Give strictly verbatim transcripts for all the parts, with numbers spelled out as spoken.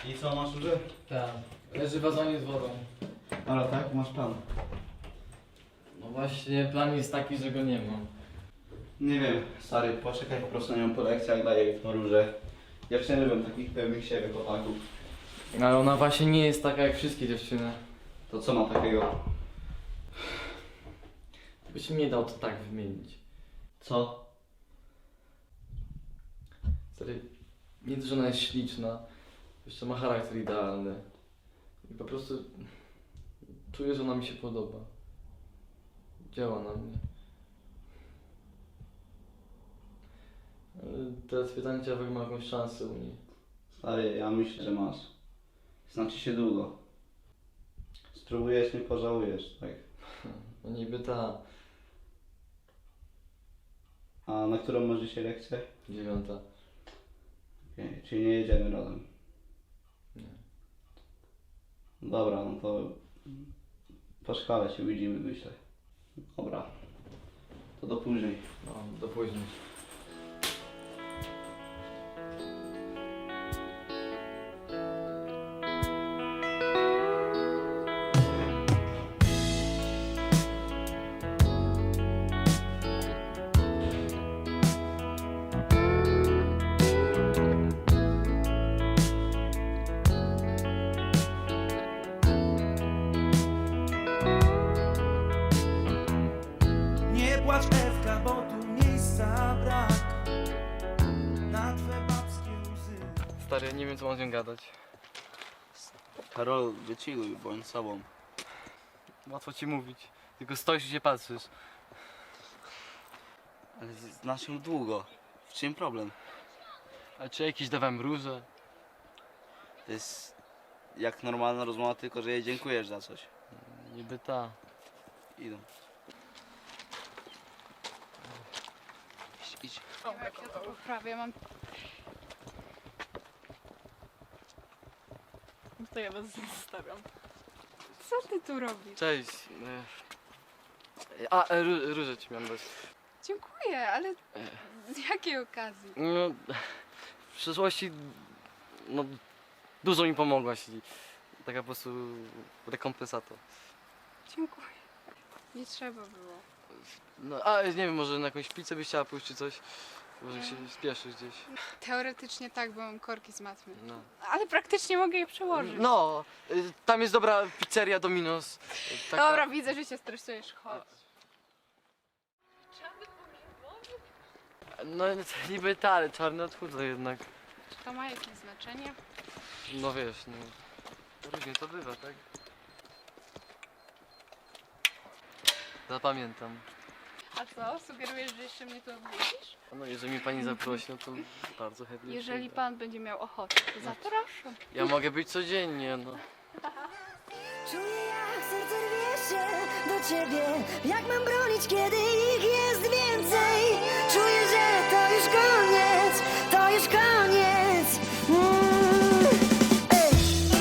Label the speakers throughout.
Speaker 1: I co, masz już?
Speaker 2: Tak, leży w wazonie z wodą.
Speaker 1: Ale tak, masz plan.
Speaker 2: No właśnie, plan jest taki, że go nie mam.
Speaker 1: Nie wiem, stary, poczekaj po prostu na nią po lekcjach, daję jej w róże. Ja nie lubię takich pewnych siebie chłopaków.
Speaker 2: Ale ona właśnie nie jest taka jak wszystkie dziewczyny.
Speaker 1: To co ma takiego?
Speaker 2: Byś mi nie dał to tak wymienić.
Speaker 1: Co?
Speaker 2: Stary, nie to, że ona jest śliczna, jeszcze ma charakter idealny. I po prostu czuję, że ona mi się podoba. Działa na mnie. Ale teraz pytanie, czy ja mam jakąś szansę u niej.
Speaker 1: Stary, ja myślę, że masz. Znaczy się długo. Spróbujesz, nie pożałujesz, tak?
Speaker 2: No niby ta
Speaker 1: A na którą masz dzisiaj lekcję?
Speaker 2: dziewiąta.
Speaker 1: Okej, czyli nie jedziemy razem.
Speaker 2: Nie.
Speaker 1: Dobra, no to po szkole się widzimy, myślę. Dobra, to do później.
Speaker 2: No, do później.
Speaker 3: Nie płacz Ewka, bo tu miejsca brak na twe babskie łzy.
Speaker 2: Stary, nie wiem co mam z nią gadać.
Speaker 1: Karol, wychilluj, bądź sobą.
Speaker 2: Łatwo ci mówić. Tylko stoisz i się patrzysz.
Speaker 1: Ale znasz ją długo. W czym problem?
Speaker 2: A czy jakiś dawałem róże?
Speaker 1: To jest jak normalna rozmowa, tylko że jej dziękujesz za coś.
Speaker 2: Niby ta.
Speaker 1: Idą. Idź, idź.
Speaker 4: Jak ja to poprawię, mam... To ja was zostawiam. Co ty tu robisz?
Speaker 2: Cześć. E, A, e, ró- róże ci miałem dać.
Speaker 4: Dziękuję, ale z jakiej okazji?
Speaker 2: No, w przeszłości no, dużo mi pomogłaś i taka po prostu rekompensata.
Speaker 4: Dziękuję. Nie trzeba było.
Speaker 2: No, a nie wiem, może na jakąś pizzę byś chciała pójść czy coś? Może się spieszysz gdzieś.
Speaker 4: Teoretycznie tak, bo mam korki z matmy.
Speaker 2: No.
Speaker 4: Ale praktycznie mogę je przełożyć.
Speaker 2: No, y, tam jest dobra pizzeria Domino's. y, taka-
Speaker 4: Dobra, widzę, że się stresujesz. Chodź.
Speaker 2: No niby ta, ale czarny odchudza jednak.
Speaker 4: Czy to ma jakieś znaczenie?
Speaker 2: No wiesz, no. Różnie to bywa, tak? Zapamiętam.
Speaker 4: A co? Sugerujesz, że jeszcze mnie tu odwiedzisz?
Speaker 2: No jeżeli mi pani zaprosi, no to bardzo chętnie.
Speaker 4: Jeżeli
Speaker 2: przyjdę.
Speaker 4: pan będzie miał ochotę, to zapraszam.
Speaker 2: Ja mogę być codziennie, no.
Speaker 5: Czuję jak serce rwie się do ciebie. Jak mam bronić, kiedy ich jest więcej? Czuję, że to już koniec, to już koniec. Mm. Ej.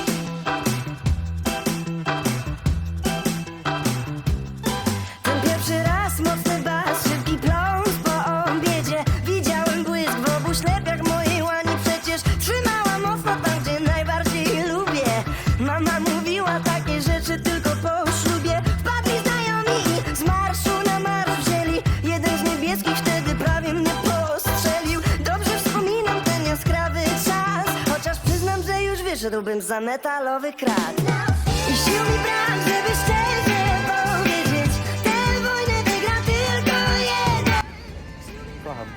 Speaker 5: Ten pierwszy raz mocny bas, szybki pląs po obiedzie. Widziałem błysk w obu ślepiach mojej łani. Przecież trzymała mocno tam, gdzie najbardziej lubię. Mama mówiła takie rzeczy tylko po ślubie. Wpadli znajomi i z marszu na marsz wzięli. Jeden z niebieskich wtedy prawie mnie postrzelił. Dobrze wspominam ten jaskrawy czas, chociaż przyznam, że już wyszedłbym za metalowy krat. I sił mi brak, żeby szczerze powiedzieć, tę wojnę wygra tylko jeden.
Speaker 2: Kocham.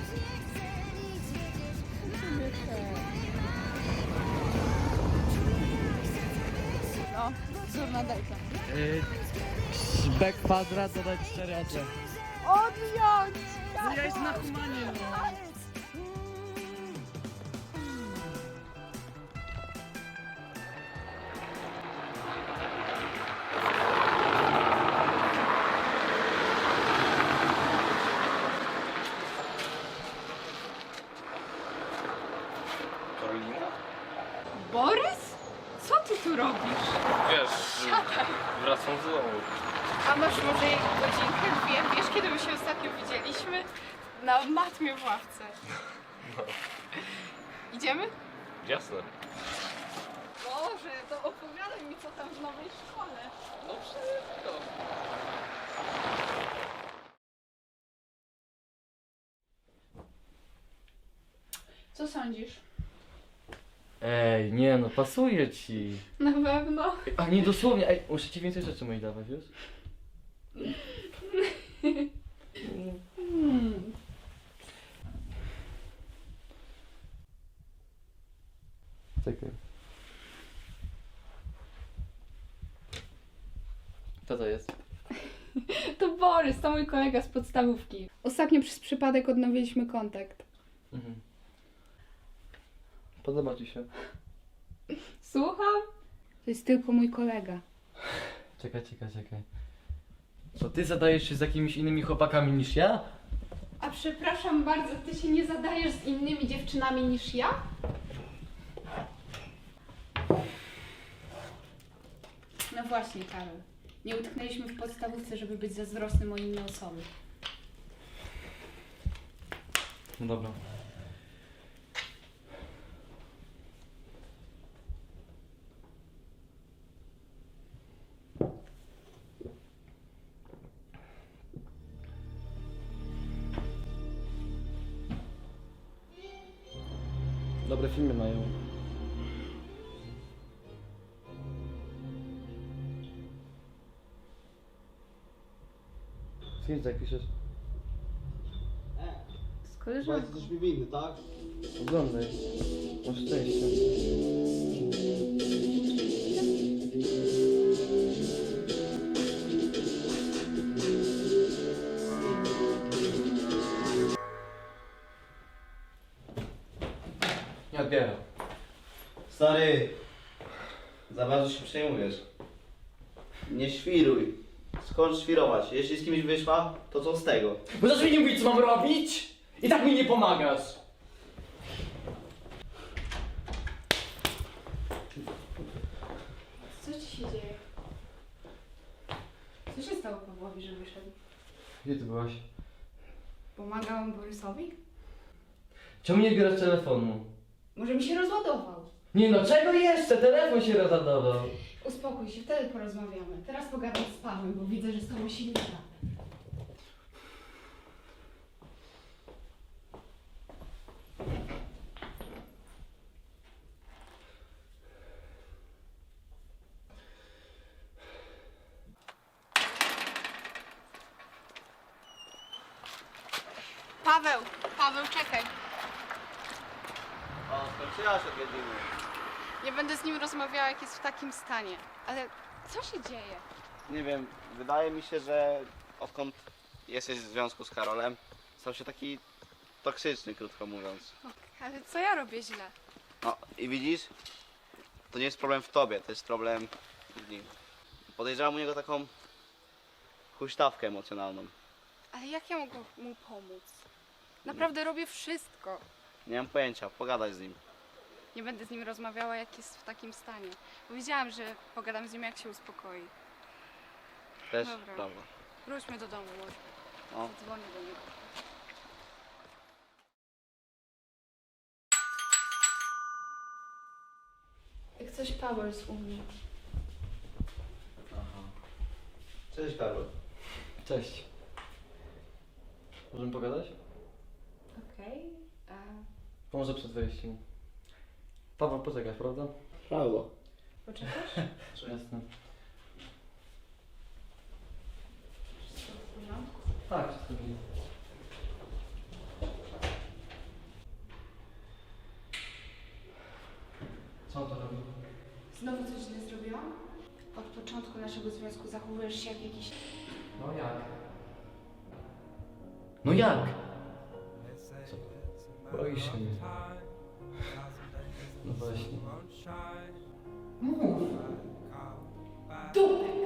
Speaker 4: No, wzór na dajka.
Speaker 2: B kwadrat dodać cztery A C.
Speaker 4: Odjąć!
Speaker 2: Ja jest na humanie, no.
Speaker 1: Karolina?
Speaker 4: Borys? Co ty tu robisz?
Speaker 2: Wiesz, wracam z domu.
Speaker 4: A masz może godzinkę, dwie? Wiesz, kiedy my się ostatnio widzieliśmy? Na matmie w ławce. Idziemy?
Speaker 2: Jasne.
Speaker 4: Boże, to opowiadaj mi co tam w nowej szkole.
Speaker 2: No wszystko.
Speaker 4: Co sądzisz?
Speaker 2: Ej, nie no, pasuje ci.
Speaker 4: Na pewno.
Speaker 2: A nie dosłownie, ej, muszę ci więcej rzeczy mojej dawać, wiesz?
Speaker 4: Hmm.
Speaker 2: Czekaj. Co to jest?
Speaker 4: To Borys, to mój kolega z podstawówki. Ostatnio przez przypadek odnowiliśmy kontakt.
Speaker 2: Mhm. Podoba ci się?
Speaker 4: Słucham? To jest tylko mój kolega.
Speaker 2: Czekaj, czekaj, czekaj. Co, ty zadajesz się z jakimiś innymi chłopakami niż ja?
Speaker 4: A przepraszam bardzo, ty się nie zadajesz z innymi dziewczynami niż ja? No właśnie, Karol. Nie utknęliśmy w podstawówce, żeby być zazdrosnym o inne osoby.
Speaker 2: No dobra. Dobre filmy mają. Z kim tak piszesz?
Speaker 4: Z koleżanką.
Speaker 1: Jesteś mi winny, tak?
Speaker 2: Oglądaj. Masz szczęście. Nie odbieram.
Speaker 1: Stary, za bardzo się przejmujesz. Nie świruj. Skocz świrować. Jeśli z kimś wyszła, to co z tego?
Speaker 2: Możesz mi nie mówić, co mam robić? I tak mi nie pomagasz.
Speaker 4: Co ci się dzieje? Co się stało Pawłowi, że wyszedł?
Speaker 2: Gdzie ty byłaś?
Speaker 4: Pomagałam Borysowi?
Speaker 2: Czemu nie bierasz telefonu?
Speaker 4: Może mi się rozładował.
Speaker 2: Nie no, czego jeszcze? Telefon się rozładował.
Speaker 4: Uspokój się, wtedy porozmawiamy. Teraz pogadam z Pawłem, bo widzę, że z tobą się nie da. Paweł, Paweł, czekaj.
Speaker 1: O, skończyła się odwiedziny.
Speaker 4: Nie będę z nim rozmawiała, jak jest w takim stanie. Ale co się dzieje?
Speaker 1: Nie wiem, wydaje mi się, że odkąd jesteś w związku z Karolem, stał się taki toksyczny, krótko mówiąc.
Speaker 4: Ale co ja robię źle?
Speaker 1: No i widzisz, to nie jest problem w tobie, to jest problem w nim. Podejrzewam u niego taką huśtawkę emocjonalną.
Speaker 4: Ale jak ja mogę mu pomóc? Naprawdę robię wszystko.
Speaker 1: Nie mam pojęcia, pogadaj z nim.
Speaker 4: Nie będę z nim rozmawiała, jak jest w takim stanie. Powiedziałam, że pogadam z nim, jak się uspokoi.
Speaker 1: Też
Speaker 4: Dobra.
Speaker 1: prawda.
Speaker 4: Wróćmy do domu, może.
Speaker 1: No.
Speaker 4: Dzwonię do niego. Jak coś Paweł jest u mnie.
Speaker 1: Aha. Cześć Karol.
Speaker 2: Cześć. Możemy pogadać?
Speaker 4: Okej. Okay.
Speaker 2: Pomoże przed wejściem. Paweł, poczekasz, prawda?
Speaker 1: Prawo.
Speaker 4: Poczekasz?
Speaker 2: Jasne.
Speaker 4: Wszystko w porządku?
Speaker 2: Tak, wszystko dobrze. Co on to robi?
Speaker 4: Znowu coś źle zrobiłam? Od początku naszego związku zachowujesz się jak jakiś...
Speaker 2: No jak? No jak? Co? Boisz się mnie. No właśnie.
Speaker 4: Mów! Dupek!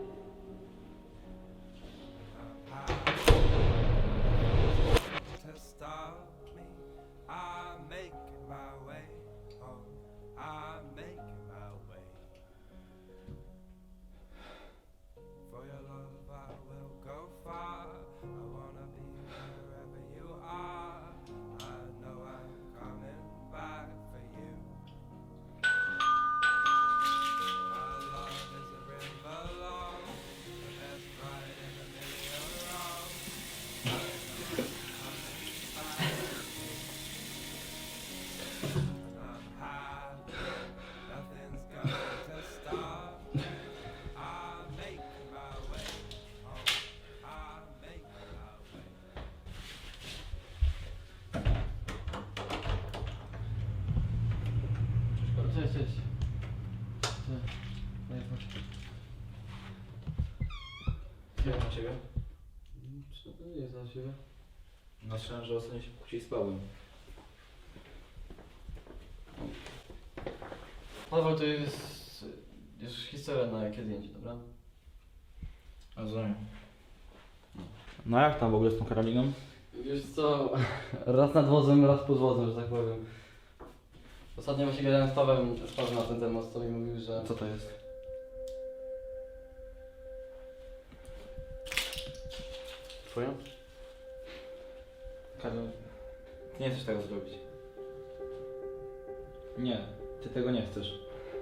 Speaker 3: To stop me, I'm making my way home. I'm making my way. For your love, I will go far. I wanna be wherever you are. I know I'm coming back for you.
Speaker 2: Jak na ciebie? Co to nie jest na ciebie?
Speaker 6: Myślałem, że ostatnio się kłóci z Pawłem.
Speaker 2: Paweł, to jest już historia na jakie zdjęcie, dobra?
Speaker 6: Rozumiem. No jak tam w ogóle z tą Karoliną?
Speaker 2: Wiesz co, raz nad wozem, raz pod wozem, że tak powiem. Ostatnio właśnie gadałem z Pawłem, z Pawłem na ten temat, co mi mówił, że...
Speaker 6: Co to jest?
Speaker 2: Twoja?
Speaker 6: Karol, ty nie chcesz tego zrobić. Nie, ty tego nie chcesz.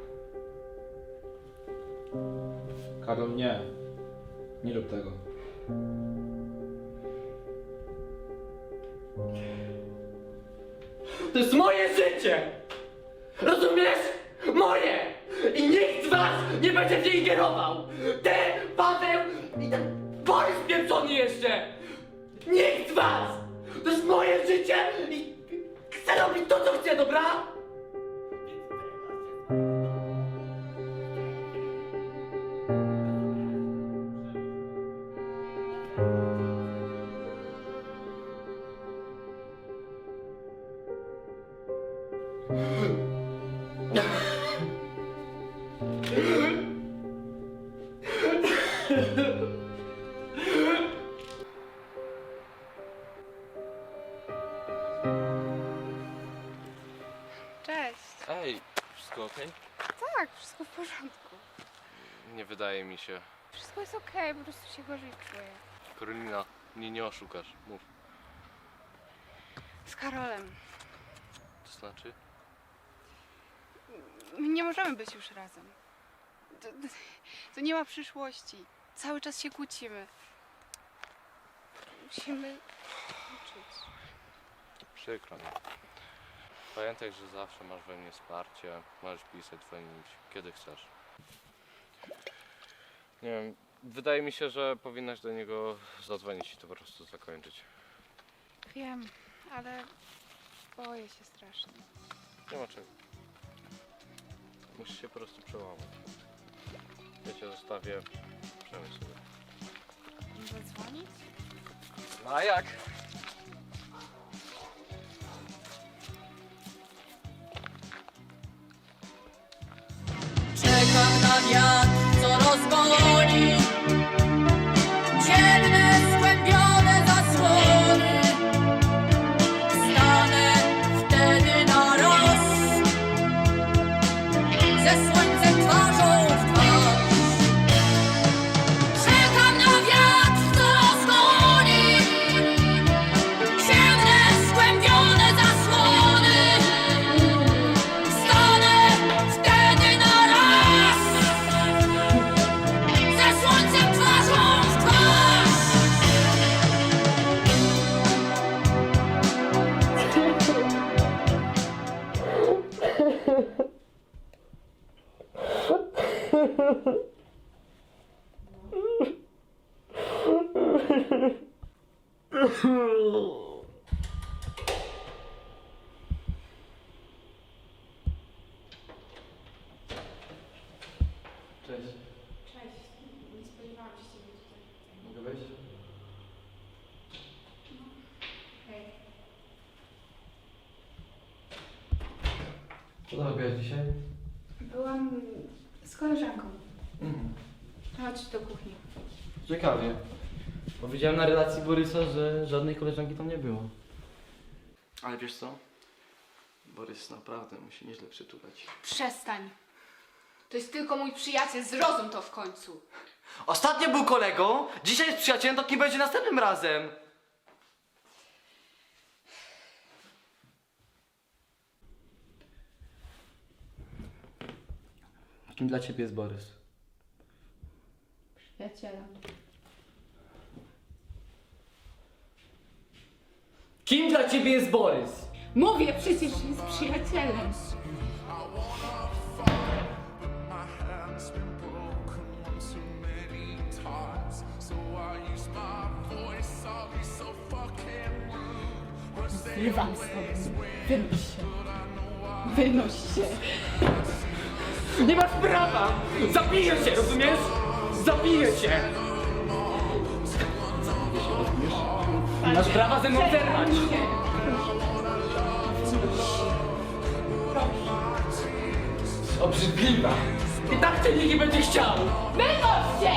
Speaker 6: Karol, nie. Nie rób tego.
Speaker 7: To jest moje życie! Rozumiesz? Moje! I nikt z was nie będzie w nie ingerował! Ty, Paweł i ten Borys pieprzony jeszcze! Nikt z was! To jest moje życie i chcę robić to, co chcę, dobra?
Speaker 4: Cześć.
Speaker 8: Ej, wszystko okej?
Speaker 4: Tak, wszystko w porządku.
Speaker 8: Nie wydaje mi się.
Speaker 4: Wszystko jest okej, po prostu się gorzej czuję.
Speaker 8: Karolina, mnie nie oszukasz. Mów.
Speaker 4: Z Karolem.
Speaker 8: To znaczy?
Speaker 4: My nie możemy być już razem. To, to nie ma przyszłości. Cały czas się kłócimy. Musimy uczyć.
Speaker 8: Przykro mi. Pamiętaj, że zawsze masz we mnie wsparcie. Możesz pisać, dzwonić, kiedy chcesz. Nie wiem, wydaje mi się, że powinnaś do niego zadzwonić i to po prostu zakończyć.
Speaker 4: Wiem, ale boję się strasznie.
Speaker 8: Nie ma czego. Musisz się po prostu przełamać. Ja cię zostawię. Przemyśl sobie.
Speaker 4: Zadzwonić?
Speaker 8: No a jak?
Speaker 7: Czekam na wiatr, co rozgoni dzienne, skłębione zasłony. Stanę wtedy na roz ze słońcem twarzą w twarz. Czekam na wiatr, co rozgoni dzienne, skłębione zasłony. Stanę wtedy na raz ze słońcem twarzą w twarz.
Speaker 2: Cześć.
Speaker 4: Cześć. Nie spodziewałam się ciebie tutaj.
Speaker 2: Mogę wejść?
Speaker 4: Hej.
Speaker 2: Co tam robiłaś dzisiaj?
Speaker 4: Byłam z koleżanką.
Speaker 2: Mhm.
Speaker 4: Chodź do kuchni.
Speaker 2: Ciekawie. Bo widziałem na relacji Borysa, że żadnej koleżanki tam nie było. Ale wiesz co? Borys naprawdę musi nieźle przytulać.
Speaker 4: Przestań. To jest tylko mój przyjaciel, zrozum to w końcu.
Speaker 7: Ostatnio był kolegą, dzisiaj jest przyjacielem, to kim będzie następnym razem?
Speaker 2: Kim dla ciebie jest Borys?
Speaker 4: Przyjacielem.
Speaker 7: Kim dla ciebie jest Borys?
Speaker 4: Mówię przecież, że jest przyjacielem.
Speaker 3: My hand's been broken one too many times. So I use my voice, I'll be so fucking rude. Was they
Speaker 4: Zrywam stąd. Wynoś się. Wynoś się.
Speaker 7: Nie masz prawa! Zabiję cię, rozumiesz? Zabiję cię! Masz prawa ze mną zerwać. Obrzydliwa. I tak cię nikt nie będzie chciał.
Speaker 4: Wynoś się!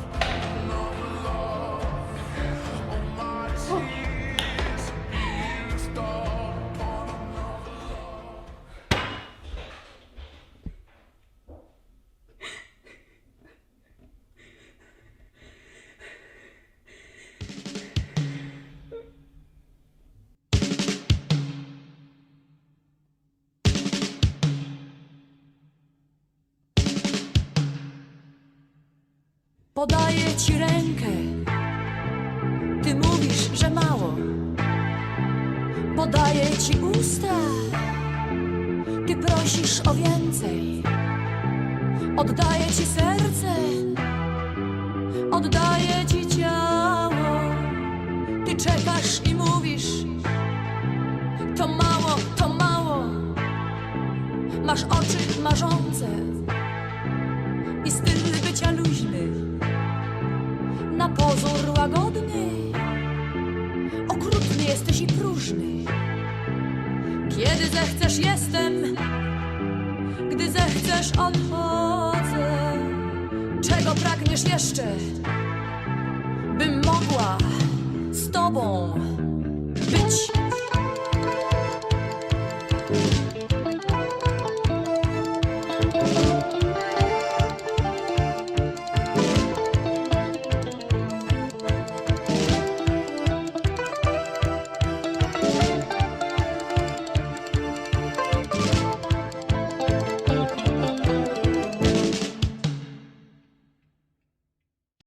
Speaker 9: Podaję ci rękę, ty mówisz, że mało. Podaję ci usta, ty prosisz o więcej. Oddaję ci serce, oddaję ci ciało. Ty czekasz i mówisz, to mało, to mało. Masz oczy marzące i styl bycia luźny, na pozór łagodny, okrutny jesteś i próżny. Kiedy zechcesz jestem, gdy zechcesz odchodzę. Czego pragniesz jeszcze, bym mogła z tobą